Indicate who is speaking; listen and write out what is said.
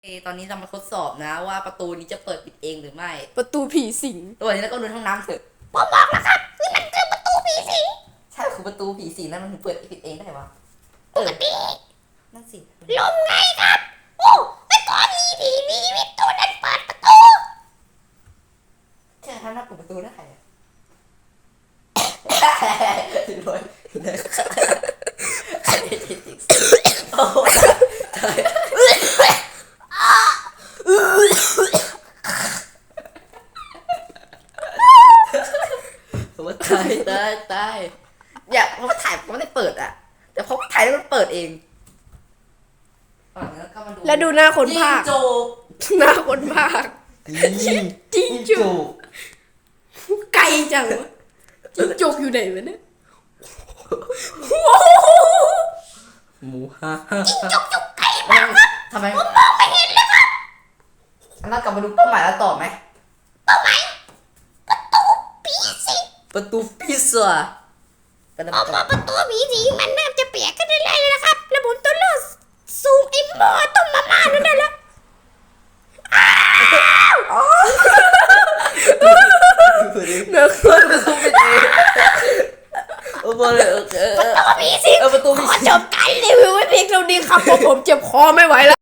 Speaker 1: ตอนนี้เรามาทดสอบนะว่าประตูนี้จะเปิดปิดเองหรือไม่
Speaker 2: ประตูผีสิง
Speaker 1: ตัวนี้แล้วก็ดูห้องน้ำเถอะ
Speaker 3: ผมบอกแล้วครับนี่มันคือประตูผีสิง
Speaker 1: ใช่คือประตูผีสิงนั่นมันเปิดปิดเองได้วะ
Speaker 3: ปกติ
Speaker 1: นั่นสิ
Speaker 3: ลมไงครับ โอ้แต่ก่อนมีผีมีวิทย์ตัวนั้นเปิดประตู
Speaker 1: แค่ท่านน่าเปิดประตูได้อะรวยโอ้ตายผมว่าตายอย่าเพราะว่าถ่ายผมไม่ได้เปิดอ่ะ แต่พอถ่ายแล้วมันเปิดเองแล้วก็มาดู
Speaker 2: แล้วดูหน้าคนภาค
Speaker 1: จิ้งจก
Speaker 2: หน้าคนภาค
Speaker 1: จิ้งจก
Speaker 2: ไกลจังวะจิ้งจกอยู่ไหนวะเนี่ย
Speaker 1: หมูฮ่าจิ้งจกอยู่ไกลมากครับทำไมผมมองไม่เห็นเลยครับเรากลับมาดูเป้าหมายแล้วต่อไหม
Speaker 3: ผีสิง
Speaker 1: ประตูพิซซ่าก็ได้
Speaker 3: ออกมาประตูผีสิงมันน่าจะเปียกกันได้เลยนะครับ แล้วผมต้องเลือกสูงไอ้หม้อต้มมาม่านั่นน่ะแล้ว
Speaker 2: เนื้อ
Speaker 1: ประตูปิดเองโอ้โหเลยโอเค
Speaker 3: ประตูผีสิง
Speaker 1: ประตูผี
Speaker 3: ขอ
Speaker 1: สิง
Speaker 3: จบการรี
Speaker 2: รี
Speaker 3: วิว
Speaker 2: วิวไว้เพียงเท่านี้ครับเพราะผมเจ็บคอไม่ไหวแล้ว